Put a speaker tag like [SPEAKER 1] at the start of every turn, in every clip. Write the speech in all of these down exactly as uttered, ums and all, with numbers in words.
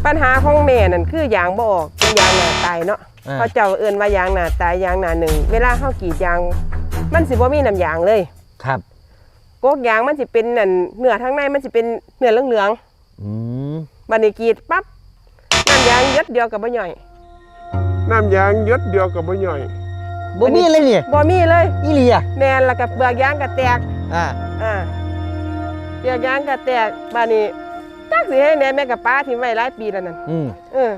[SPEAKER 1] ปัญหาของแม่นั่นคือยางบ่ออกเป็นยางหนาตายเนาะเขาเจ้าเอิ้นว่ายางหนาตายยางหนาหนึ่งเวลาเฮากรีดยางมันสิบ่มีน้ำยางเลย
[SPEAKER 2] ครับ
[SPEAKER 1] กกยางมันสิเป็นนั่นเนื้อทั้งในมันสิเป็นเนื้อเหลืองๆอืมบัดนี้กรีดปั๊บน้ำยางหยดเดียวกับบ่ย่อย
[SPEAKER 3] น้ำยางหยดเดียวกับบ่ย่อย
[SPEAKER 2] บ่มีเลยนี่
[SPEAKER 1] บ่มีเลย
[SPEAKER 2] อีหลีอ่ะ
[SPEAKER 1] แม่นแล้วก็เปลือกยางก็แตก
[SPEAKER 2] อ่า
[SPEAKER 1] อ่าเปลือกยางก็แตกบัดนี้จักสิให้แน่แม่กับป้าทิ้งไว้หลายปีแล้วนั่น
[SPEAKER 2] อืม
[SPEAKER 1] เออ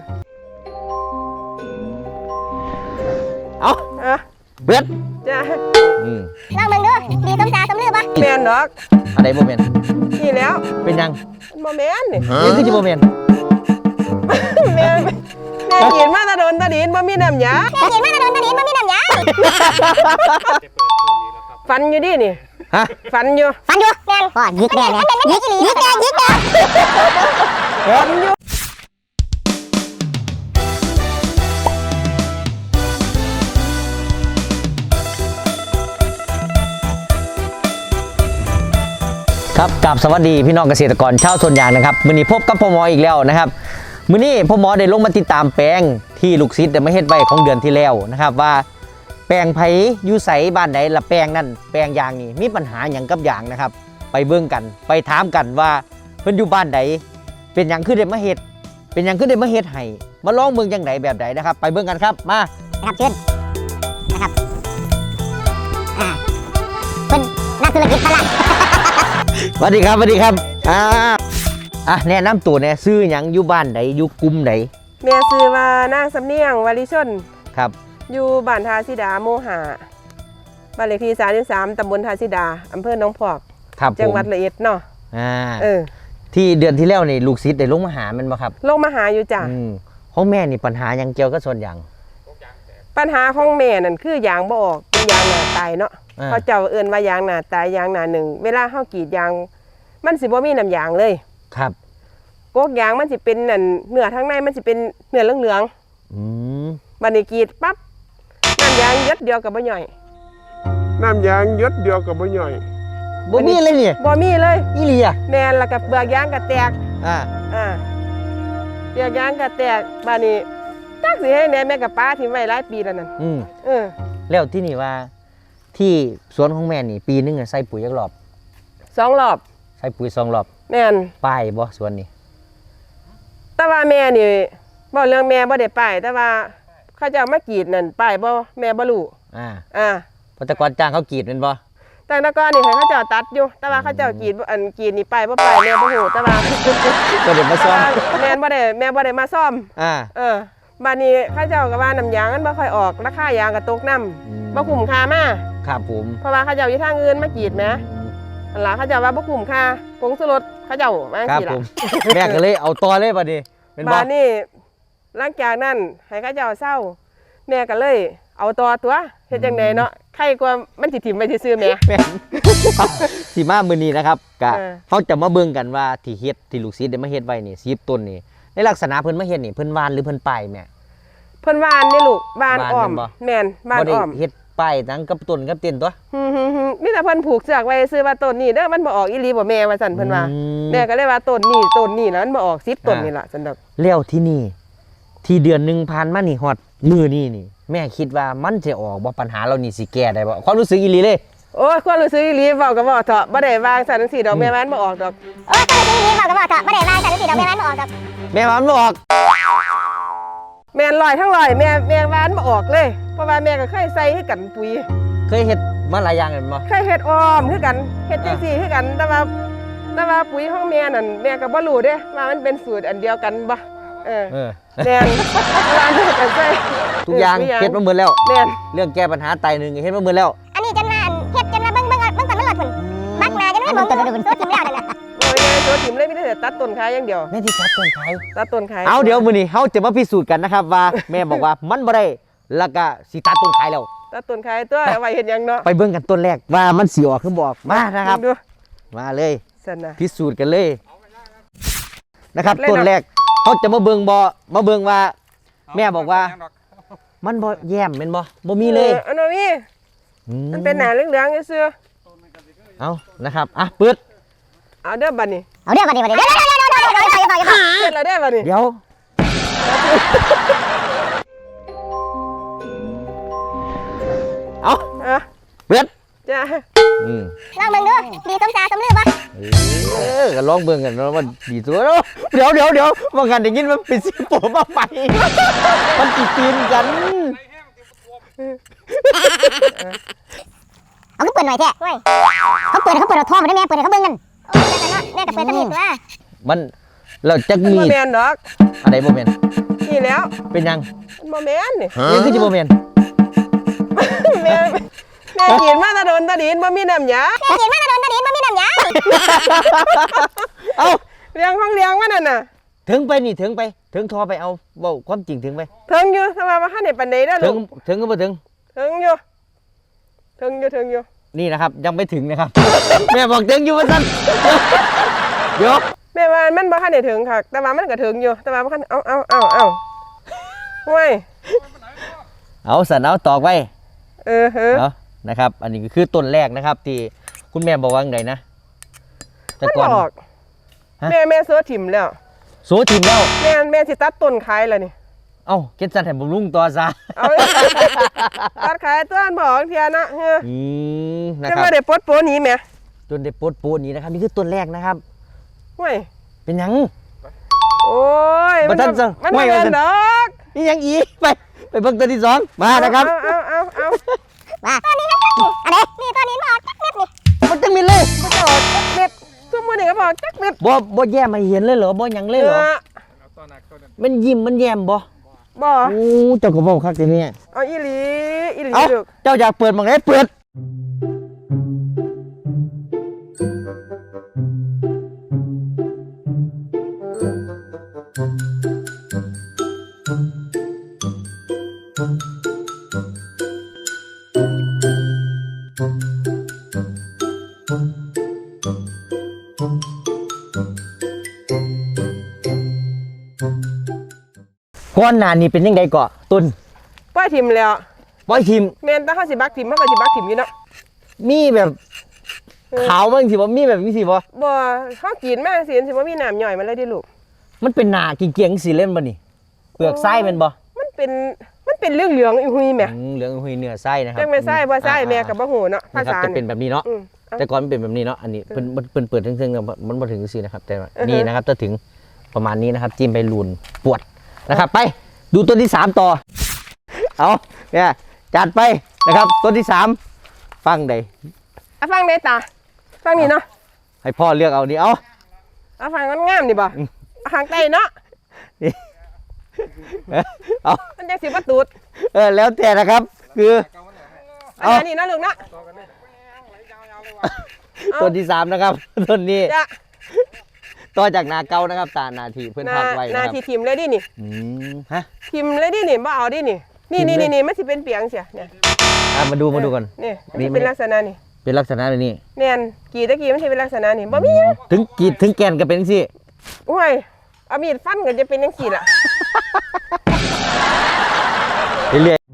[SPEAKER 2] เอา
[SPEAKER 1] อ่ะ
[SPEAKER 2] เบิด
[SPEAKER 1] จ้า
[SPEAKER 2] อืม
[SPEAKER 4] ลองเบิ่งดูดีสมตาสมลือบ่
[SPEAKER 1] แม่นดอก
[SPEAKER 2] อะไรบ่แม่น
[SPEAKER 1] นี่แล้ว
[SPEAKER 2] เป็นยัง
[SPEAKER 1] บ่แม่นนี่
[SPEAKER 2] นี่คือสิบ่แม่น
[SPEAKER 1] แม่แม่กินมาตะโดนตะดินบ่มีน้ำยา
[SPEAKER 4] แม่กินมาตะโดนตะดินบ่มีน้ำยา
[SPEAKER 1] ฟันอยู่ดินี่
[SPEAKER 2] ฮะ
[SPEAKER 1] ฟันอยู่
[SPEAKER 4] ฟันอยู่แม่นพ่อยิกแม่แม่ยิกอีหลียิกแม่ยิกแม่
[SPEAKER 1] ฟันอยู่
[SPEAKER 2] ครับกับสวัสดีพี่น้องเกษตรกรชาวสวนยางนะครับมื้อนี้พบกับพ่อหมออีกแล้วนะครับมื้อนี้พ่อหมอได้ลงมาติดตามแปลงที่ลูกศิษย์ได้มาเฮ็ดไว้ของเดือนที่แล้วนะครับว่าแปลงไผอยู่ไสบ้านใดละแปลงนั่นแปลงยางนี่มีปัญหาหยังกับยางนะครับไปเบิ่งกันไปถามกันว่าเพิ่นอยู่บ้านใดเป็นหยังคือได้มาเฮ็ดเป็นหยังคือได้มาเฮ็ดให้มาลองเบิ่งจังไดแบบใดนะครับไปเบิ่งกันครับมา
[SPEAKER 4] ครับเชิญนะครับอ่าเพิ่นนักธุรกิจพลัง
[SPEAKER 2] สวัสดีครับสวัสดีครับอ่าอ่ะแนะนำตัวเนี่ยซื้อหยังอยู่บ้านใดอยู่กลุ่มใด
[SPEAKER 1] แม่ซื้อว่านางสำเนียงวลิชน
[SPEAKER 2] ครับ
[SPEAKER 1] อยู่บ้านทาสิดาโมหะบ้านเลขที่สามสิบสามตำบลทาสิดาอำเภอหนองพอกจังหวัดระยองเนาะ
[SPEAKER 2] อ่า
[SPEAKER 1] เออ
[SPEAKER 2] ที่เดือนที่แล้วนี่ลูกศิษย์ได้ลงมาหามันบ่ครับ
[SPEAKER 1] ลงมาหาอยู่จ้ะ
[SPEAKER 2] ของแม่นี่ปัญหายังเกี่ยวกับส่วนยาง
[SPEAKER 1] ปัญหาของแม่นั่นคือยางบ่ออกเป็นยางหนาตายเนาะเขาเจ้าเอิ้นว่ายางหนาตายยางหนาหนึ่งเวลาเฮากรีดยางมันสิบ่มีน้ำยางเลย
[SPEAKER 2] ครับ
[SPEAKER 1] กกยางมันสิเป็นนั่นเนื้อทั้งในมันสิเป็นเนื้อเหลืองๆอืมบัดนี้กรีดปั๊บน้ำยางหยดเดียวกับบ่ย่อย
[SPEAKER 3] น้ำยางหยดเดียวกับบ่ย่อย
[SPEAKER 2] บ่มีเลยนี่
[SPEAKER 1] บ่มีเลย
[SPEAKER 2] อีหลีอ่ะ
[SPEAKER 1] แม่นแล้วก็เปลือกยางก็แตก
[SPEAKER 2] อ่า
[SPEAKER 1] อ่าเปลือกยางก็แตกบัดนี้จักสิให้แน่แม่กับป้าทิ้งไว้หลายปีแล้วนั่น
[SPEAKER 2] อืม
[SPEAKER 1] เออ
[SPEAKER 2] แล้วที่นี่ว่าที่สวนของแม่นี่ปีนึงใส่ปุ๋ยจักรอบ
[SPEAKER 1] สองรอบ
[SPEAKER 2] ใส่ปุ๋ยสองรอบ
[SPEAKER 1] แม่น
[SPEAKER 2] ป้ายบ่สวนนี่
[SPEAKER 1] แต่ว่าแม่นี่บ่เรื่องแม่บ่ได้ป้ายแต่ว่าเขาเจ้ามากรีดนั่นป้ายบ่แม่บ่รู้
[SPEAKER 2] อ่า
[SPEAKER 1] อ่า
[SPEAKER 2] เพราะแต่ก่อนจ้างเขากรีดแม่นบ่
[SPEAKER 1] แต่แต่ก่อนนี่เขาเจ้าตัดอยู่แต่ว่าเขาเจ้ากรีดอันกรีดนี่ป้ายบ่ป้ายแม่บ่ฮู้แต่ว่า
[SPEAKER 2] บ่ได้มาซ่อม
[SPEAKER 1] แม่บ่ได้แม่บ่ได้มาซ่อม
[SPEAKER 2] อ่า
[SPEAKER 1] เออบัดนี้เขาเจ้าก็ว่าน้ำยางมันบ่ค่อยออกราคายางก็ตกนำบ่คุ้มค่ามา
[SPEAKER 2] ครับผม
[SPEAKER 1] เพราะว่าเขาเจ้าอยู่ทางอื่นมากรีดแหมนั่นล่ะเขาเจ้าว่าบ่คุ้มค่าผงชูรสเขาเจ้าว่าจังซี่ล่ะ
[SPEAKER 2] แม่ก็เลยเอาต่อเลยบัดนี้
[SPEAKER 1] เป็นบ่บัดนี้หลังจากนั้นให้เขาเจ้าเศร้าแม่ก็เลยเอาต่อตัวเฮ็ดจังได๋เนาะใครกว่ามันสิถิ่มไปซื่อๆแม่
[SPEAKER 2] แม่สิมามื้อนี้นะครับก็เฮาจะมาเบิ่งกันว่าที่เฮ็ดที่ลูกศิษย์ได้มาเฮ็ดไว้นี่สิบต้นนี่ในลักษณะเพิ่นมาเฮ็ดนี่เพิ่นวานหรือเพิ่นป้ายแม่
[SPEAKER 1] เพิ่นวานนี่ลูกวานอ้อมแม่นวานอ้อม
[SPEAKER 2] เฮ็ดป้ายทั้งกับต้นกับเต็นตัว
[SPEAKER 1] ฮึๆมีแต่เพิ่นผูกเสือกไว้ซื้อว่าต้นนี้เด้อมันบ่ออกอีหลีบ่แม่ว่าซั่นเพิ่นว่าแม่ก็เลยว่าต้นนี้ต้นนี้แล้วมันบ่ออกสิบต้นนี่ล่ะซั่นดอก
[SPEAKER 2] แล้วที่นี่ที่เดือนนึงผ่านมานี่ฮอดมื้อนี้นี่แม่คิดว่ามันจะออกบ่ปัญหาเรานี่สิแก้ได้บ่ความรู้สึกอีหลีเลย
[SPEAKER 1] โอ้ยความรู้สึกอีหลีเว้าก็เว้าเถาะบ่ได้วางซั่นจังซี่ดอกแม่มันบ่ออกดอก
[SPEAKER 4] เออความรู้สึกอีหลีเว้าก็เว้าเถาะบ่ได้วางซั่นจังซี่ดอกแม่มันบ่ออกดอก
[SPEAKER 2] แม่มันบ่ออก
[SPEAKER 1] แม่นลอยทั้งลอยแม่แม่วานบ่ออกเลยเพราะว่าแม่ก็เคยใส่ให้กันปุ๋ย
[SPEAKER 2] เคยเฮ็ดมาหลายอย่างแล้วบ่
[SPEAKER 1] เคยเฮ็ดอ้อมคือกันเฮ็ดจังซี่คือกันแต่ว่าแต่ว่าปุ๋ยของแม่นั่นแม่ก็บ่รู้เด้ว่ามันเป็นสูตรอันเดียวกันบ่เออเออแม่นร้านเฮ็ดกันใส่
[SPEAKER 2] ทุกอย่างเฮ็ดมาหมดแล้ว
[SPEAKER 1] แม่น
[SPEAKER 2] เรื่องแก้ปัญหาไตนึงเฮ็ดมาหมดแล้ว
[SPEAKER 4] อันนี้จนว่าเฮ็ดจนว่าเบิ่งเบิ่งเบิ่งก่อนมันหลดพุ่นบักหน้าจนว่าบ่ต้นพุ่นตัวทิ่มแล้วนั่นน่ะ
[SPEAKER 1] โอ้ยแม่ตัวทิ่มเลยมีแต่ตัดต้นขายอย่างเดียว
[SPEAKER 2] แม่ที่ตัดต้นขาย
[SPEAKER 1] ตัดต้นขาย
[SPEAKER 2] เอาเดี๋ยวมื้อนี้เฮาจะมาพิสูจน์กันนะครับว่าแม่บอกว่ามันบ่ได้แล้วก็สิตัดต้นขายแล้ว
[SPEAKER 1] ตัดต้นขายตัวเอาไว้เฮ็ดหยังเนาะ
[SPEAKER 2] ไปเบิ่งกันต้นแรกว่ามันสิออกคือบ่ออกมานะครับมาเลยพิสูจน์กันเลยนะครับต้นแรกเขาจะมาเบิ่งบ่มาเบิ่งว่าแม่บอกว่ามันบ่แย้มแม่นบ่บ่มีเลย
[SPEAKER 1] อันบ่มีมันเป็นหน้าเหลืองๆซื่อ
[SPEAKER 2] เอานะครับอ่ะปึ๊ด
[SPEAKER 1] เอาเด้อบัดนี้
[SPEAKER 4] เอาเด้อบัดนี้บัดนี้เดี๋ยวๆๆๆๆๆๆๆๆ
[SPEAKER 1] เฮ็ดแล้วเด้อบัดนี้
[SPEAKER 2] เดี๋ยวเอา
[SPEAKER 1] อ่ะ
[SPEAKER 2] เปิด
[SPEAKER 1] จ้า
[SPEAKER 2] อืม
[SPEAKER 4] ลองเบิ่งดูดีสมจาสมลือบ่
[SPEAKER 2] เออก็ลองเบิ่งกันเนาะว่าดีตัวเนาะเดี๋ยวเดี๋ยวเดี๋ยวว่ากันได้ยินมันเป็นสิโปมาไปมันติตีนกัน
[SPEAKER 4] เอาก็เปิดหน่อยแท้เฮ้ยเขาเปิดเขาเปิดเอาทองมาได้แม่เปิดให้เขาเบิ่งกันโอ้ยแม่ก็เปิดตะมีตัว
[SPEAKER 2] มันเราจะ
[SPEAKER 1] มัน
[SPEAKER 2] มี
[SPEAKER 1] บ่แม่นดอก
[SPEAKER 2] อะไรบ่แม่น
[SPEAKER 1] นี่แล้ว
[SPEAKER 2] เป็นยัง
[SPEAKER 1] มันบ่แม่นนี่
[SPEAKER 2] ยังคือสิบ่แม่น
[SPEAKER 1] แม่แม่กินมาแตะโดนตะดินบ่มีน้ำยา
[SPEAKER 4] แม่กินมาตะโดนตะดินบ่มีน้ำยา
[SPEAKER 2] เอ้า
[SPEAKER 1] เลี้ยงห้องเลี้ยงมันนั่นน่ะ
[SPEAKER 2] ถึงไปนี่ถึงไปถึงทอไปเอาเว้าความจริงถึงไป
[SPEAKER 1] ถึงอยู่ถ้าว่าบ่ทันได้ปานใดเด้อ
[SPEAKER 2] ถึ
[SPEAKER 1] ลู
[SPEAKER 2] ง
[SPEAKER 1] ก
[SPEAKER 2] ถึงก็บ่ถึง
[SPEAKER 1] ถึงอยู่ถึงอยู่ถึงอยู่
[SPEAKER 2] นี่นะครับยังไม่ถึงนะครับ แม่บอกถึงอยู่ว่าซั่นเดี๋ยว
[SPEAKER 1] แม่ว่ามันบ่ทันได้ถึงค่ะแต่ว่ามันก็ถึงอยู่แต่ว่าบ่ทันเอาเอาเอาเอาห้วย
[SPEAKER 2] เอาสันเอาตอกไว้
[SPEAKER 1] เออเออ
[SPEAKER 2] เอานะครับ อันนี้ก็คือต้นแรกนะครับ ที่คุณแม่บอกว่าไงนะแต่
[SPEAKER 1] มัน
[SPEAKER 2] ก่อน
[SPEAKER 1] บอก
[SPEAKER 2] ฮะ
[SPEAKER 1] แม่แม่เสือถิ่มแล้ว
[SPEAKER 2] โซทิมแล้ว
[SPEAKER 1] แม่แม่สิตัดต้นขายแล้วนี่
[SPEAKER 2] เอ้าเก็ตสันแถมบำรุงต่อซะ
[SPEAKER 1] เอา ตัดขายต้นบอกเทียนะเฮ้ย
[SPEAKER 2] อืมนะ
[SPEAKER 1] จะ
[SPEAKER 2] ครับ
[SPEAKER 1] มาได้ปลดโปนี้แหม่
[SPEAKER 2] จนได้โปดโปดนี้นะครับนี่คือต้นแรกนะครับ
[SPEAKER 1] ห้วย
[SPEAKER 2] เป็นหยัง
[SPEAKER 1] โอ้ย
[SPEAKER 2] บ่ทันจะ
[SPEAKER 1] มัน
[SPEAKER 2] ห้วย
[SPEAKER 1] บ่
[SPEAKER 2] ว่า
[SPEAKER 1] แม่น
[SPEAKER 2] ซั่น
[SPEAKER 1] ดอก
[SPEAKER 2] นี่ยังอีไปไปเบิ่งตัวที่สองมานะครับ
[SPEAKER 1] เอาเอาเอาเอา
[SPEAKER 4] ว่าตอนนี้นะอันนี้นี่ตอนนี้มาออกจักเม็ดนี่
[SPEAKER 2] มันจะมีเลย
[SPEAKER 1] บ่จอดจักเม็ดซุ่มมื้อนี้ก็บอกจักเม็ด
[SPEAKER 2] บ่บ่แย่มาเห็นเลยเหรอบ่หยังเลยเหรอ
[SPEAKER 1] เออ
[SPEAKER 2] มันยิ้มมันแย้มบ่
[SPEAKER 1] บ่
[SPEAKER 2] โอ้เจ้าก็บอกคักแต่เนี่ย
[SPEAKER 1] เอาอีหลีอีหลี
[SPEAKER 2] เอ้า
[SPEAKER 1] ลูก
[SPEAKER 2] เจ้าอยากเปิดหมองไหนเปิดก้อนหนานี่เป็นยังไงก่อตุน
[SPEAKER 1] ปล่อยถิ่มแล้ว
[SPEAKER 2] บอยทีม
[SPEAKER 1] แม่นแต่เฮาสิบักถิ่มเฮาก็สิบักถิ่มอยู่เนาะ
[SPEAKER 2] มีแบบขาวบ้างสิบ่มีแบบนี้สิบ่
[SPEAKER 1] บ่เฮากินมาสิสิบ่มีน้ำย่อยมันเลยเดิลูก
[SPEAKER 2] มันเป็นหนาเกี่ยงๆสิเล่นบ่นี่เปลือกไส้เป็นบ่
[SPEAKER 1] มันเป็นมันเป็นเรื่องเหลืองอีหุยแหม
[SPEAKER 2] อืมเหลืองหุยเนื้อไส้นะครับ
[SPEAKER 1] จังไม่ไส้บ่ไส้
[SPEAKER 2] อ่า
[SPEAKER 1] แม่ก็บ่ฮู้เนาะภา
[SPEAKER 2] นะครับ
[SPEAKER 1] ษา
[SPEAKER 2] จะเป็นแบบนี้เนาะ
[SPEAKER 1] อืมเอา
[SPEAKER 2] แต่ก่อนมันเป็นแบบนี้เนาะอันนี้เพิ่นเพิ่นเปิดถึงๆแล้วมันบ่ถึงสินะครับ แต่ว่า
[SPEAKER 1] อือฮึ
[SPEAKER 2] นี่นะครับจะถึงประมาณนี้นะครับจิ้มไปลูนปวดนะครับ ไปดูตัวที่สามต่อเอาเนี่ยจัดไปนะครับตัวที่สามฟังใด
[SPEAKER 1] อ่ะฟังได้ตาฟังนี่เนาะ
[SPEAKER 2] ให้พ่อเลือกเอานี่เอา
[SPEAKER 1] อ่ะฟังงามๆนี่บ่
[SPEAKER 2] อืม
[SPEAKER 1] อ่ะข้างใต้เนาะ
[SPEAKER 2] นี่เอา
[SPEAKER 1] มันจังสิบ่ตูด
[SPEAKER 2] เออแล้วแต่นะครับคือ
[SPEAKER 1] อัน
[SPEAKER 2] เอา
[SPEAKER 1] นี้นะลูกเนาะ เอา
[SPEAKER 2] ตัวที่สามนะครับ ต้นนี้
[SPEAKER 1] จ้ะ
[SPEAKER 2] ต่อจากนาเก้านะครับตานาทีเพื่อน
[SPEAKER 1] นา
[SPEAKER 2] พักไว้
[SPEAKER 1] นา
[SPEAKER 2] นะครับ
[SPEAKER 1] ทีทิมเลยดินี่
[SPEAKER 2] อืมฮะ
[SPEAKER 1] ทิมเลยดินี่บ่เอาดินี่นี่
[SPEAKER 2] ทิ่
[SPEAKER 1] นี่
[SPEAKER 2] มเลย
[SPEAKER 1] นี่นี่มันสิเป็นเปียงเสียเนี่ย
[SPEAKER 2] อ่ะมาดูมาดูก่อน
[SPEAKER 1] นี่
[SPEAKER 2] นี่
[SPEAKER 1] มันสิเป็น
[SPEAKER 2] ไม่
[SPEAKER 1] ลักษณะนี่
[SPEAKER 2] เป็นลักษณะแบบนี้
[SPEAKER 1] แม่นกี่ตะกี้มันสิเป็นลักษณะนี่บ่มีหยัง
[SPEAKER 2] ถึงกีดถึงแกนก็เป็นสิ
[SPEAKER 1] โอ้ยเอามีดฟันก็จะเป็นจังซี่ล่ะ
[SPEAKER 2] เรื่อย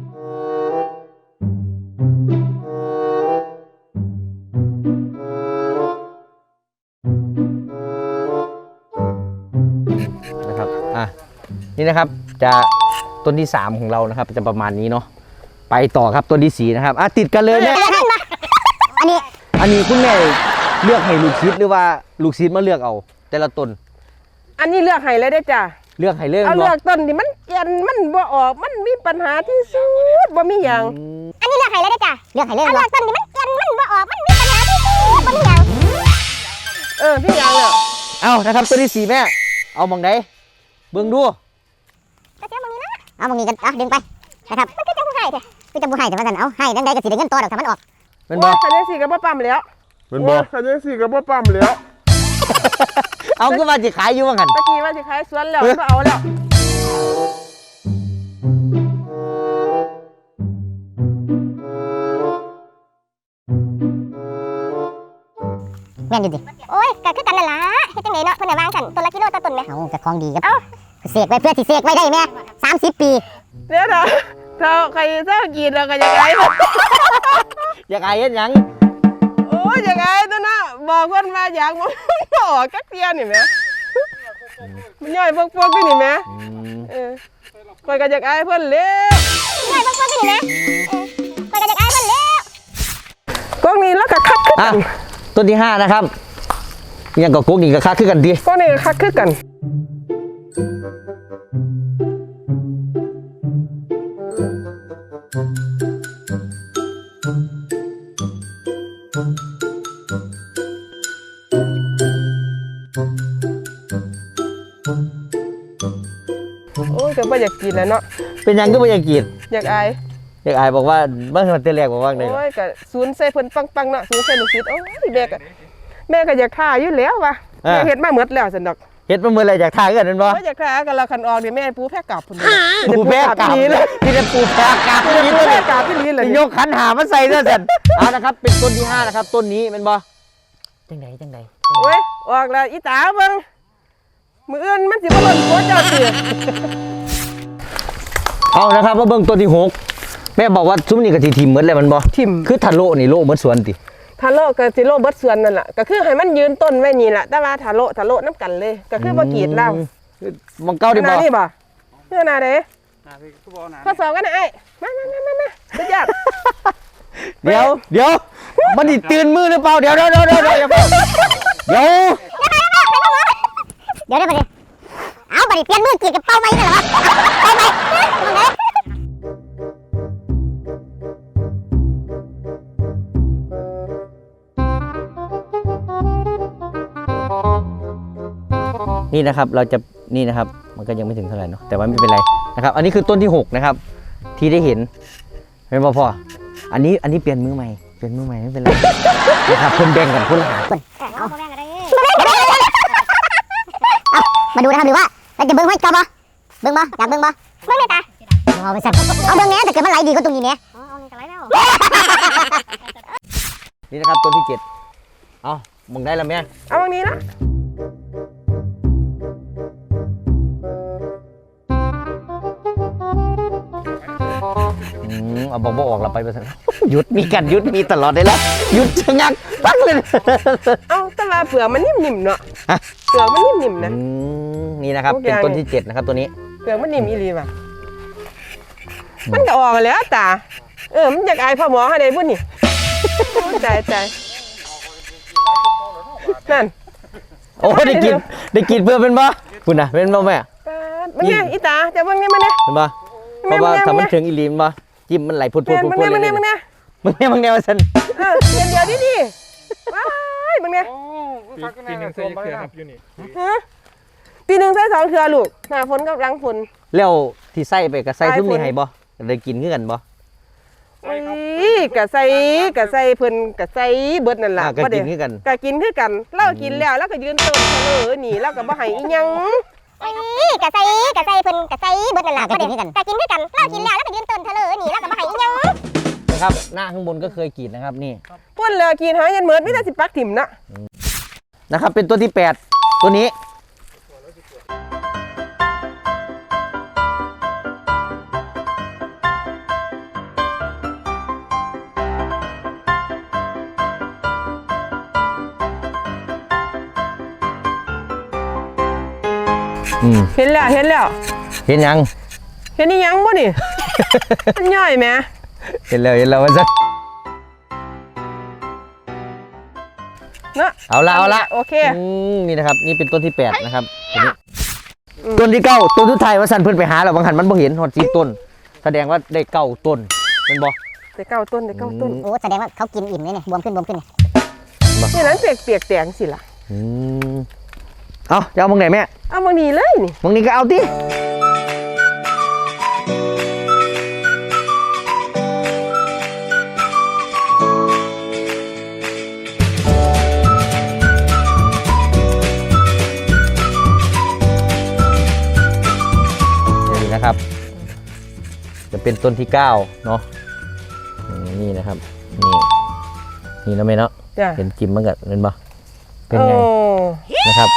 [SPEAKER 2] ๆนะครับอ่ะนี่นะครับจะต้นที่สามของเรานะครับจะประมาณนี้เนาะไปต่อครับต้นที่สี่นะครับอ่ะติดกันเลยเนี่ย
[SPEAKER 4] อันนี้
[SPEAKER 2] อันนี้คุณแม่เลือกให้ลูกศิษย์หรือว่าลูกศิษย์มาเลือกเอา แต่ละต้น
[SPEAKER 1] อันนี้เลือกให้เลยได้อจ้ะ
[SPEAKER 2] เลือกให้เลือก
[SPEAKER 1] เอา
[SPEAKER 2] บ่
[SPEAKER 1] เลือกต้นที่มันแก่นมันบ่ออกมันมีปัญหาที่สุดบ่มีหยัง
[SPEAKER 2] อืม
[SPEAKER 4] อันนี้เลือกให้เลยได้จ้ะเลือกให้เลยเลือกต้นนี้มันแก่นมันบ่ออกมันมีปัญหาที่สุดบ่มีหยัง
[SPEAKER 1] เออพี่หยังแล้ว
[SPEAKER 2] เอานะครับต้นที่สี่แม่เอามองไหนเบิ่งดู
[SPEAKER 4] ก็เจ้ามึงนี่นะเอามึงนี่กันอ่ะดึงไปนะครับมันก็จะบ่ให้แท้คือจะบ่ให้แต่ว่าซั่นเอาให้จังได๋ก็สิได้เงินต่อดอกถ้ามันออก
[SPEAKER 2] เป็นบ่
[SPEAKER 1] โอ้ยคันจังซี่ก็บ่ปั๊มแล้ว
[SPEAKER 3] เป็นบ่คันจังซี่ก็บ่ปั๊มแล้ว
[SPEAKER 2] เอาก็มาสิขายอยู่ว่างั้น
[SPEAKER 1] ตะกี้ว่าสิขายสวนแล้วบ่เอาแล้ว
[SPEAKER 4] แม่นอยู่ดิโอ้ยก็คือกันนั่นล่ะเฮ็ดจังได๋เนาะเพิ่นน่ะวางซั่นต้นละกิโลต่อต้นแม่เอ้าก็ของดีครับเอ้าเสกไว้เพื่อสิเสกไว้ได้แม่สามสิบปี
[SPEAKER 1] เดี๋ยวนะถ้าใครเจ้ากินเราก็จะไง
[SPEAKER 2] อยากขายเฮ็ดหยัง
[SPEAKER 1] โอ้ยจะไงตัวน่ะบอกคนมาอยากมันออกกักเตียนี่แหมมันย่อยพวกพวกนี่นี่แม่
[SPEAKER 2] อืม
[SPEAKER 1] เออคอยก็อยากอายเพิ่นแล้ว
[SPEAKER 4] ใช่พวกพวกนี่นะเออไปกันจากไอ้เพิ่นแล้ว
[SPEAKER 1] กล้องนี้แล้วก็คักคือ
[SPEAKER 2] อ่ะ
[SPEAKER 1] กัน
[SPEAKER 2] ต้นที่ห้านะครับยังกับกุ๊กนี่ก็ค่าคือกันดี
[SPEAKER 1] กล้องนี้ก็คักคือกันโอ้ยก็บ่อยากกินแล้วเนาะ
[SPEAKER 2] เป็นหยังก็ไม่อยากกิน
[SPEAKER 1] อยากอาย
[SPEAKER 2] อยากอายบอกว่าเมื่อวันเตแรกบอกว่าไง
[SPEAKER 1] โอ้ยก็ศูนย์ใส่เพิ่นปังๆเนาะศูนย์ใส่ลูกศิษย์โอ้ยแม่ก็แม่ก็อยากท่าอยู่แล้วว่ะแม่เฮ็ดมาหมดแล้วซั่นดอก
[SPEAKER 2] เฮ็ดมาเมื่อไรอยากทายกันนั่นบ่
[SPEAKER 1] โอ้ยอยากท่ากันละคันออกนี่แม่ปูแพ้กลับพุ่น
[SPEAKER 2] ปูแพ้กลับ
[SPEAKER 1] นี่เลย
[SPEAKER 2] ที่จะปูแพ้กลับ
[SPEAKER 1] ปู
[SPEAKER 2] นี่
[SPEAKER 1] แพ้
[SPEAKER 2] เลย
[SPEAKER 1] กลับที่นี่เลย
[SPEAKER 2] ที่ยกขันหามาใส่เด้อสันเอานะครับเป็นต้นที่ห้านะครับต้นนี้เป็นบ่จังไดจังได
[SPEAKER 1] โอ้ยออกแล้วอีตาเบิ่งมื้ออื่นมันสิบ่ล่นโคเจ้าเตือ
[SPEAKER 2] เอานะครับมาเบิ่งต้นที่หกแม่บอกว่าซุ้มนี่ก็สิทิ่มหมดแล้วมันบ่
[SPEAKER 1] ทิ่ม
[SPEAKER 2] คือทะโลนี่โลหมดสวนติ
[SPEAKER 1] ทาโร่กับสิโร่เบิดส่วนนั่นแหละก็คือให้มันยืนต้นไว้นี่แหละแต่ว่าทาโร่ทาโร่น้ำกันเลย ก็คือบ่กรีดเหล้า
[SPEAKER 2] มังเก้าดิ
[SPEAKER 1] ห
[SPEAKER 2] บ่
[SPEAKER 1] น้านี่บ่เพื่อหน้าเด้ข้อสอบกันนะไอ้มามามามามาสุดยอด
[SPEAKER 2] เดี๋ยวเดี๋ยวมันดิตื่นมือหรือเปล่าเดี๋ยวเดี๋ยวเดี๋ยวเดี๋ยวเดี๋ยวเดี๋ยว
[SPEAKER 4] เดี๋ยวเดี๋ยวบัดนี้เอาบัดนี้เปลี่ยนมือกีดกับเป้าไม้นั่นเหรอเป้าไม้ตรงไหน
[SPEAKER 2] นี่นะครับเราจะนี่นะครับมันก็ยังไม่ถึงเท่าไหร่เนาะแต่ว่าไม่เป็นไรนะครับอันนี้คือต้นที่หกนะครับที่ได้เห็นเป็นบ่พออันนี้อันนี้เปลี่ยนมือใหม่เปลี่ยนมือใหม่ไม่เป็นไรนะครับคนแบ่งกันคนละหา
[SPEAKER 4] เอามาดูนะครับหรือว่าเราจะเบิ้งให้จอบ่เบิ้งบ่อยากเบิ้งบ่เบิ้งเลยตาเอาไปสั่นเอาเบิ้งเนี้ยแต่เกิดมันไหลดีก็ตรงนี้เนี้ยอ๋อเอาไหลแล้ว
[SPEAKER 2] นี่นะครับต้นที่เจ็ดเอามึงได้แล้วแม่
[SPEAKER 1] เอาตรงนี้ละ
[SPEAKER 2] อืมเอาบอกบอกออกเราไปไปซะหยุดมีกันหยุดมีตลอดเลยละหยุดชะงักตั้งเลย
[SPEAKER 1] เอาแต่ว่าเปลือกมันนิ่มๆเนาะ
[SPEAKER 2] ฮะ
[SPEAKER 1] เปลือกมันนิ่มๆนะ
[SPEAKER 2] อืมนี่นะครับ
[SPEAKER 1] ทุกอ
[SPEAKER 2] เป็น
[SPEAKER 1] ย่าง
[SPEAKER 2] ต้นที่เจ็ดนะครับตัวนี้
[SPEAKER 1] เปลือกมันนิ่มอีหลีว่ะมันก็ออกแล้วตาเออมันอยากอายพ่อหมอให้ได้บุญนี่ใจใจนั่น
[SPEAKER 2] โอ้ได้กินได้กินเพื่อเป็นบ่คุณนะเป็นบ่แม่
[SPEAKER 1] ปาดมันเนี่ยอีตาจะเบิ่งนี่มันเนี่ย
[SPEAKER 2] เป็นบ่เพราะว่าถ้ามันถึงอีหลีมบ่จิ้มมันไหลพุดพุด
[SPEAKER 1] แม่น
[SPEAKER 2] พุด
[SPEAKER 1] มึง
[SPEAKER 2] พุด
[SPEAKER 1] เนี่ยมึง
[SPEAKER 2] เล
[SPEAKER 1] เนี่ย
[SPEAKER 2] ย
[SPEAKER 1] มึงเนี่ย
[SPEAKER 2] มึงเนี่ยมึงเนี่ยว่าซั่น
[SPEAKER 1] เออเดียวเดียวดิดิว้ายมึงเนี่ย
[SPEAKER 3] ปีหนึ่งใส่เกลือครับอยู่นี่
[SPEAKER 1] ฮะปีหนึ่งใส่สองเทือลูกหน้าฝนกับหลังฝน
[SPEAKER 2] แล้วที่ใส่ไปก็ใส่
[SPEAKER 1] ใส่
[SPEAKER 2] ทุ่มนี่
[SPEAKER 1] ฝน
[SPEAKER 2] ให้บ่ได้กินคือกันบ่
[SPEAKER 1] อุ้ยกะใส่กะใส่เพิ่นกะใส่เบิดนั่นล่ะ
[SPEAKER 2] อ่าก็
[SPEAKER 1] บ่ได้
[SPEAKER 2] กินคือกัน
[SPEAKER 1] กะกินคือกันเรากินแล้วแล้วก็ยืนเติมเฉลอนี่แล้วก็บ่ให้อีหยัง
[SPEAKER 4] นี่กะใส่กะใส่เพิ่นกะใส่เบิดนั่นล่ะกะกินคือกันกะกินคือกันเรากินแล้วแล้วก็ยืนต้นเถลอนี่แล้วก็บ่ให้อีหยัง
[SPEAKER 2] นะครับหน้าข้างบนก็เคยกรีดนะครับนี่
[SPEAKER 1] พุ่นเลยกินหายันเหมือนมีแต่สิปักถิ่มนะ
[SPEAKER 2] นะครับเป็นตัวที่แปดตัวนี้อืม
[SPEAKER 1] เห็นแล้วเห็นแล้ว
[SPEAKER 2] เห็นยัง
[SPEAKER 1] เห็นอีหยังบ่นี่ มันย่อยแหม
[SPEAKER 2] เห็นแล้วเห็นแล้วว่าซะ
[SPEAKER 1] เนาะ
[SPEAKER 2] เอาละเอาละ
[SPEAKER 1] โอเค
[SPEAKER 2] อืมนี่นะครับนี่เป็นต้นที่แปดนะครับตัวนี้
[SPEAKER 1] อืม
[SPEAKER 2] ต้นที่เก้าต้นทุดท้ายว่าสันเพิ่นไปหาแล้วบางหันมันบ่เห็นหอดสีต้น แสดงว่าได้เก้าต้นเป็นบ่
[SPEAKER 1] ได้เก้าต้นได้เก้าต้น
[SPEAKER 2] อืม
[SPEAKER 4] โอ้แสดงว่าเขากินอิ่มเลยเนี่ยบวมขึ้นบวมขึ้น
[SPEAKER 1] นี่นั้นเปียกเปียกๆแตงสิล่ะ
[SPEAKER 2] อืมเอาจะเอามองไหนแม่
[SPEAKER 1] เอาบางนี้เลยนี่
[SPEAKER 2] มองนี้ก็เอาตินี่นะครับ จะเป็นต้นที่เก้าเนาะอืมนี่นะครับ นี่นี่นะแม่เนาะ
[SPEAKER 1] จ้ะ
[SPEAKER 2] เห็นจิ้มมันก็เป็นบ่เป็นไง
[SPEAKER 1] โอ้
[SPEAKER 2] นะครับ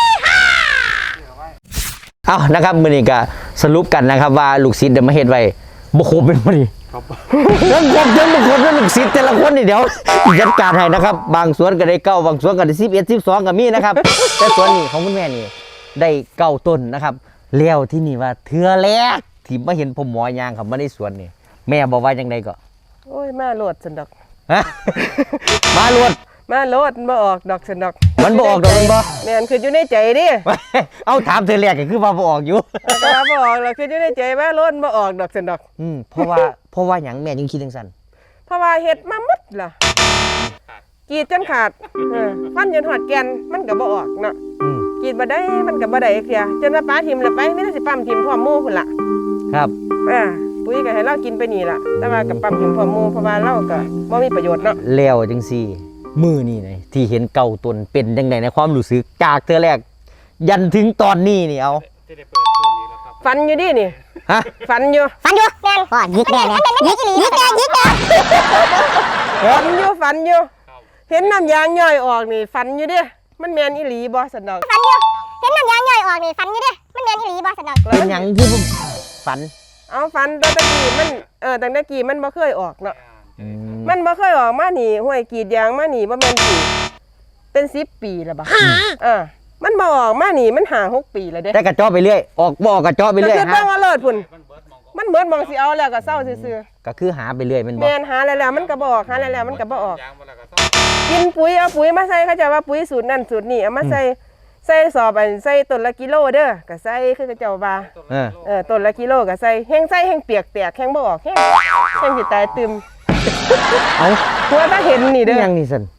[SPEAKER 2] เอานะครับมือนี้ก็สรุปกันนะครับว่าลูกศิษย์เดี๋ยวมาเฮ็ดไว้บ่ครบเป็นบ่นี่ครับเรื่องครบเรื่องบ่ครบเรื่องลูกศิษย์แต่ละคนนี่เดี๋ยวจัดการให้นะครับ บางสวนก็ได้เก้าบางสวนก็ได้สิบเอ็ด สิบสองก็มีนะครับ แต่สวนนี้ของคุณแม่นี่ได้เก้าต้นนะครับแล้วที่นี่ว่าเทือแรกที่มาเห็นพ่อหมอยางเขามาในสวนนี่แม่บอกว่ายังไงก็
[SPEAKER 1] โอ้ยมาโลดสันดอก
[SPEAKER 2] ฮะ มาลวด
[SPEAKER 1] มาโลดบ่ออกดอกสันดอก
[SPEAKER 2] มันบ่ออกดอกมันบ่
[SPEAKER 1] แม่นคืออยู่ในใจดิ
[SPEAKER 2] เอาถามเธอแรกก็คือว่าบ่ออกอยู่
[SPEAKER 1] แต่ว่าบ่ออกแล้วคืออยู่ในใจว่าโลดบ่ออกดอกสันดอก
[SPEAKER 2] อืมเพราะว่าเพราะว่าหยังแม่ยังคิดจังซั่น
[SPEAKER 1] เพราะว่าเฮ็ดมาหมดล่ะกรีดจนขาดเออฟันจนหอดแกนมันก็บ่ออกเนาะ
[SPEAKER 2] อืม
[SPEAKER 1] กรีดบ่ได้มันก็บ่ได้เสียจนว่าป้าทิ่มแล้วไปมีแต่สิปั๊มทิ่มพร้อมหมู่พุ่นล่ะ
[SPEAKER 2] ครับ
[SPEAKER 1] อ่าปุ๋ยก็ให้เรากินไปนี่ล่ะแต่ว่ากับปั๊มทิ่มพร้อมหมู่เพราะว่าเราก็บ่มีประโยชน์เนาะ
[SPEAKER 2] แล้วจังซี่มือนี่นะที่เห็นเก่าต้นเป็นจังไดในความรู้สึกจากเธอแรก ยันถึงตอนนี้นี่เอา
[SPEAKER 3] จะได้เปิดตู้นี้แล้วครับ
[SPEAKER 1] ฟันอยู่ดินี่
[SPEAKER 2] ฮะ
[SPEAKER 1] ฟันอยู่
[SPEAKER 4] ฟันอยู่แม่นพ่อยิกแน่แม่ยิกอีหลียิกแน่ยิกแน่
[SPEAKER 1] ฟันอยู่ฟันอยู่
[SPEAKER 3] ครับ
[SPEAKER 1] เห็นน้ำยางย่อยออกนี่ฟันอยู่เด้มันแม่นอีหลีบ่สันดอก
[SPEAKER 4] ฟันอยู่เห็นน้ำยางย่อยออกนี่ฟันอยู่เด้มันแม่นอีหลีบ่สันดอก
[SPEAKER 2] เป็นหยังที่ผมฝัน
[SPEAKER 1] เอาฟันตอนตะกี้มันเออตั้งแต่กี้มันบ่เคยออกเนาะ
[SPEAKER 2] อืม
[SPEAKER 1] มันบ่เคยออกมานี่ห้วยกรีดยางมานี่บ่แม่นสิเป็นสิบปีแล้วบ่เออมันบ่ออกมานี่มันหาหกปีแล้วเด้
[SPEAKER 2] แต่กระเจาะไปเรื่อยออกบ่ออกระเจาะไป
[SPEAKER 1] ก็
[SPEAKER 2] เรื่อย
[SPEAKER 1] คือ
[SPEAKER 2] ฮะ
[SPEAKER 1] ต้องว่าเลิศพุ่น
[SPEAKER 3] มันเบิร์ดมองก็
[SPEAKER 1] มันเบิดมองสิเอาแล้วก็เศร้าซื่อ
[SPEAKER 2] ก็คือหาไปเรื่อยแมัน
[SPEAKER 1] ๆ
[SPEAKER 2] บ่
[SPEAKER 1] แม่นหาแล้วแล้วมันก็บ่ออกหาแล้วแล้วมันก็บ่ออก
[SPEAKER 3] ยางมาแล้วก็ต้อง
[SPEAKER 1] กินปุ๋ยเอาปุ๋ยมาใส่เขาจะว่าปุ๋ยสูตรนั่นสูตรนี่เอามาใส่ใส่สอบอันใส่ต้นละกิโลเด้อก็ใส่คือเขาเจ้าว่า
[SPEAKER 3] ต้น
[SPEAKER 2] เออ
[SPEAKER 1] เออต้นละกิโลก็ใส่แห้งใส่แห้งเปียกแตกแห้งบ่ออกแห้งแห้งสิตายตึม
[SPEAKER 2] เอา
[SPEAKER 1] เพราะว่าถ้าเห็นนี่เด้อ
[SPEAKER 2] ยังนี่สัน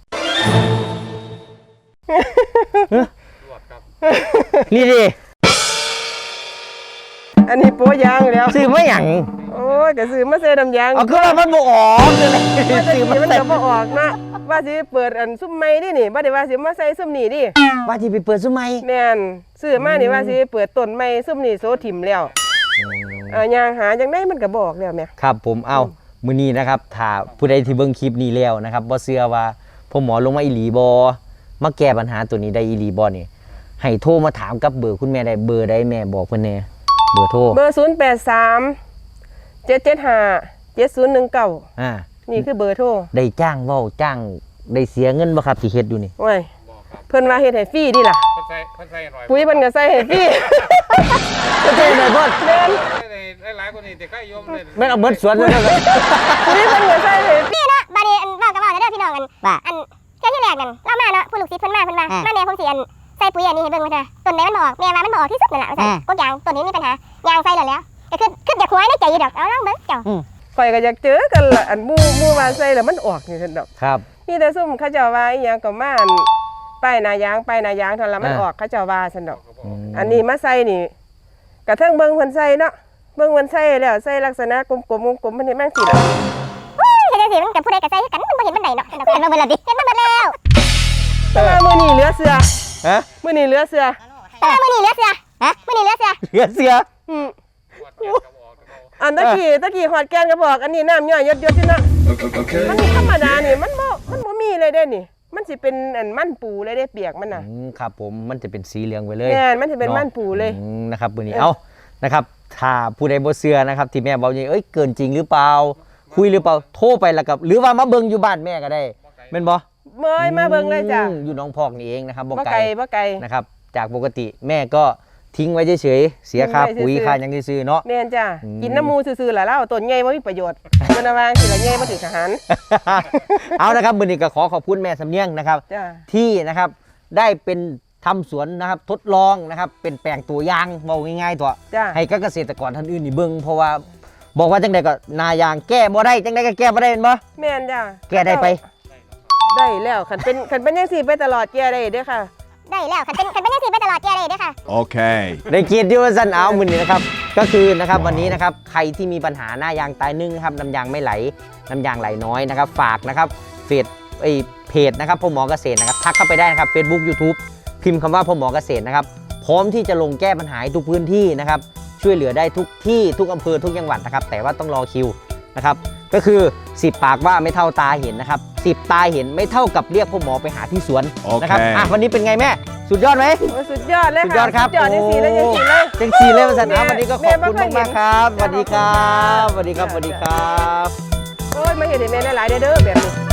[SPEAKER 3] รวดครับ
[SPEAKER 2] นี่ดิ
[SPEAKER 1] อันนี้โปะยางแล้ว
[SPEAKER 2] ซื้อมาหยัง
[SPEAKER 1] โอ้ยก็ซื้อมาใส่น้ำยาง
[SPEAKER 2] เอาคือว่ามันบ่ออกเลย
[SPEAKER 1] ว่าจะ
[SPEAKER 2] ซื้อ
[SPEAKER 1] กิ
[SPEAKER 2] มาน
[SPEAKER 1] มัน
[SPEAKER 2] ใส่
[SPEAKER 1] ก็บ่ออกนะว่าสิเปิดอันซุ้มไม้ดินี่บ่ได้ว่าสิมาใส่ซุ้มนี่ดิ
[SPEAKER 2] ว่าที่ไปเปิดซุ้มไหม
[SPEAKER 1] แม่นซื้อมานี่ว่าสิเปิดต้นไม้ซุ้มนี่โซถิ่มแล้วเอ่อยางหาจังได๋มันก็บ่ออกแล้วแม่
[SPEAKER 2] ครับผมเอามื้อนี้นะครับถ้าผู้ใดที่เบิ่งคลิปนี้แล้วนะครับบ่เชื่อว่าพ่อหมอลงมาอีหลีบ่มาแก้ปัญหาตัวนี้ได้อีหลีบ่นี่ให้โทรมาถามกับเบอร์คุณแม่ได้เบอร์ใดแม่บอกเพิ่นแน่เบอร์โทร
[SPEAKER 1] เบอร์ศูนย์แปดสาม เจ็ดเจ็ดห้า เจ็ดศูนย์หนึ่งเก้า
[SPEAKER 2] อ่า
[SPEAKER 1] นี่คือเบอร์โทร
[SPEAKER 2] ได้จ้างเว้าจ้างได้เสียเงินบ่ครับที่เฮ็ดอยู่นี่
[SPEAKER 1] โอ้ย
[SPEAKER 3] บอกครับ
[SPEAKER 1] เพิ่นว่าเฮ็ดให้ฟรีดิล่ะ
[SPEAKER 3] เพิ่นใส่เพิ่นใส่หน่อย
[SPEAKER 1] ปุ๋ยเพิ่นก็ใส่ให้ฟรี
[SPEAKER 2] ก็เจ๊หน่อยพ่อ
[SPEAKER 1] แม่น
[SPEAKER 3] ได้หลายคนนี่แต่ก็ยมเลย
[SPEAKER 2] แม่นเอาเบิดสวนเลยนะครับ
[SPEAKER 1] ปุ๋ยเพิ่นก็ใส่ให้ฟรี
[SPEAKER 4] พี่เนาะบาดนี้อันเว้ากับเว้าเด้อพี่น้องกันว่าอันเที่ยที่แรกนั่นเรามาเนาะผู้ลูกศิษย์เพิ่นมาเพิ่นว่ามาแม่ผมสิอันใส่ปุ๋ยอันนี้ให้เบิ่งว่าต้นไหนมันบ่ออกแม่ว่ามันบ่ออกที่สุดนั่นล่ะว่าซั่นพวกยางต้นนี้มีปัญหายางใส่แล้วแล้วก็คือคืออยากหัวในใจอยู่ดอกเอาลองเบิ่งเจ้า
[SPEAKER 1] ข่อยก็อยากเจอกันล่ะอันหมู่หมู่ว่าใส่แล้วมันออกนี่ซั่นดอก
[SPEAKER 2] ครับ
[SPEAKER 1] มีแต่ซุ่มเขาเจ้าว่าอีหยังก็มาอันป้ายหน้ายางป้ายหน้ายางเท่านั้นละมัน
[SPEAKER 2] อ่า
[SPEAKER 1] ออกเขาเจ้าว่าซั่นดอก
[SPEAKER 2] อืม
[SPEAKER 1] อันนี้มาใส่นี่กระเทิงเบิ่งเพิ่นใส่เนาะเบิ่งเพิ่นใส่แล้วใส่ลักษณะกลมๆกลมๆเพิ่นเฮ็ดแม่งสิล่ะ
[SPEAKER 4] เฮ้ยเฮ็ดจังซี่มันก็ผู้ใดก็ใส่คือกันมันบ่เห็นมันใดเนาะเห็นมาเบิดแล้วดิเห็นมาเบิดแล้ว
[SPEAKER 1] แต่ว่ามื้อนี้เหลือเสือ
[SPEAKER 2] ฮะ
[SPEAKER 1] มื้อนี้เหลือเสือ
[SPEAKER 4] แต่ว่ามื้อนี้เหลือเสือฮะมื้อนี้เหลือเสือ
[SPEAKER 2] เหลือเสือ
[SPEAKER 1] อืม
[SPEAKER 3] รวดแกนกระบอกกระบอก
[SPEAKER 1] อันตะกี้ตะกี้หอดแกนก็บอก อันนี้น้ำย่อยยดๆที่เนาะมันธรรมดานี่มันบ่มันบ่มีเลยเด้นี่ มันสิเป็นอันมันปูเลยเด้เปียกมันน่ะ
[SPEAKER 2] อืมครับผมมันจะเป็นสีเหลืองไปเลย
[SPEAKER 1] แม่นมันสิเป็นมันปูเลย
[SPEAKER 2] อืมนะครับมื้อนี้เอานะครับถ้าผู้ใดบ่เชื่อนะครับที่แม่บอกอย่างเอ้ยเกินจริงหรือเปล่า คุยหรือเปล่าโทรไปแล้วกับหรือว่ามาเบิ่งอยู่บ้านแม่ก็ได้แม่นบ่
[SPEAKER 1] เมยมาเบิ่งเลยจ้ะ
[SPEAKER 2] อืมอยู่หน้องพอกนี่เองนะครับบ่
[SPEAKER 1] บ่
[SPEAKER 2] ไก
[SPEAKER 1] ไก
[SPEAKER 2] ล
[SPEAKER 1] ลบ่ไกล
[SPEAKER 2] นะครับจากปกติแม่ก็ทิ้งไว้เฉยๆเสียค่าปุ๋ยค่าหยังซื่อๆเนาะ
[SPEAKER 1] แม่นจ้ะ
[SPEAKER 2] อืม
[SPEAKER 1] กินน้ำมูซื่อๆล่ะแล้วต้นใหญ่บ่มีประโยชน์มันน่ะวางสิละใหญ่บ่ถึงทหาร
[SPEAKER 2] เอานะครับมื้อนี้ก็ขอขอบคุณแม่สำเนียงนะครับ
[SPEAKER 1] จ้ะ
[SPEAKER 2] ที่นะครับได้เป็นทำสวนนะครับทดลองนะครับเป็นแปลงตัวอย่างเว้าง่ายๆตัว
[SPEAKER 1] จ้ะ
[SPEAKER 2] ให้กับเกษตรกรท่านอื่นนี่เบิ่งเพราะว่าบอกว่าจังใดก็นายางแก้บ่ได้จังใดก็แก้บ่ได้แม่นบ่
[SPEAKER 1] แม่นจ้ะ
[SPEAKER 2] แก้ได้ไป
[SPEAKER 1] ได้แล้วคันเป็นคันเป็นจังซี่ไปตลอดแก่ได้เด้อค่ะ
[SPEAKER 4] ได้แล้วคันเป็นคันเป็นจังซี่ไปตลอดแก่เลยเด้อค่ะ
[SPEAKER 5] Okay.
[SPEAKER 2] ได้เกียรติว่าสั้นเอามือนี้นะครับก็คือนะครับวันนี้นะครับใครที่มีปัญหาหน้ายางตายนึ่งนะครับน้ำยางไม่ไหลน้ำยางไหลน้อยนะครับฝากนะครับเฟซไอเพจนะครับพ่อหมอเกษตรนะครับทักเข้าไปได้นะครับ Facebook YouTube พิมพ์คำว่าพ่อหมอเกษตรนะครับพร้อมที่จะลงแก้ปัญหาให้ทุกพื้นที่นะครับช่วยเหลือได้ทุกที่ทุกอำเภอทุกจังหวัดนะครับแต่ว่าต้องรอคิวนะครับก็คือสิบปากว่าไม่เท่าตาเห็นนะครับสิบตาเห็นไม่เท่ากับเรียกพ่อหมอไปหาที่สวนนะครับ
[SPEAKER 5] โอเค
[SPEAKER 2] อ่ะวันนี้เป็นไงแม่สุดยอดไหม
[SPEAKER 1] โอ้ยสุดยอดเลย
[SPEAKER 2] สุด
[SPEAKER 1] ค่ะ
[SPEAKER 2] ยอดครับ
[SPEAKER 1] สุดยอดจังซี่เลยจังซี่เลย
[SPEAKER 2] จังสีเลยมาสันเอาวันนี้ก็ข
[SPEAKER 1] แม่
[SPEAKER 2] อบคุณ
[SPEAKER 1] แม่บ่เคย
[SPEAKER 2] มากๆครับส
[SPEAKER 1] เห็น
[SPEAKER 2] วัสดีครับสวัสดีครับสวัสดีครับ
[SPEAKER 1] โอ้ยมาเฮ็ดให้แม่ได้หลายเด้อเด้อแบบนี้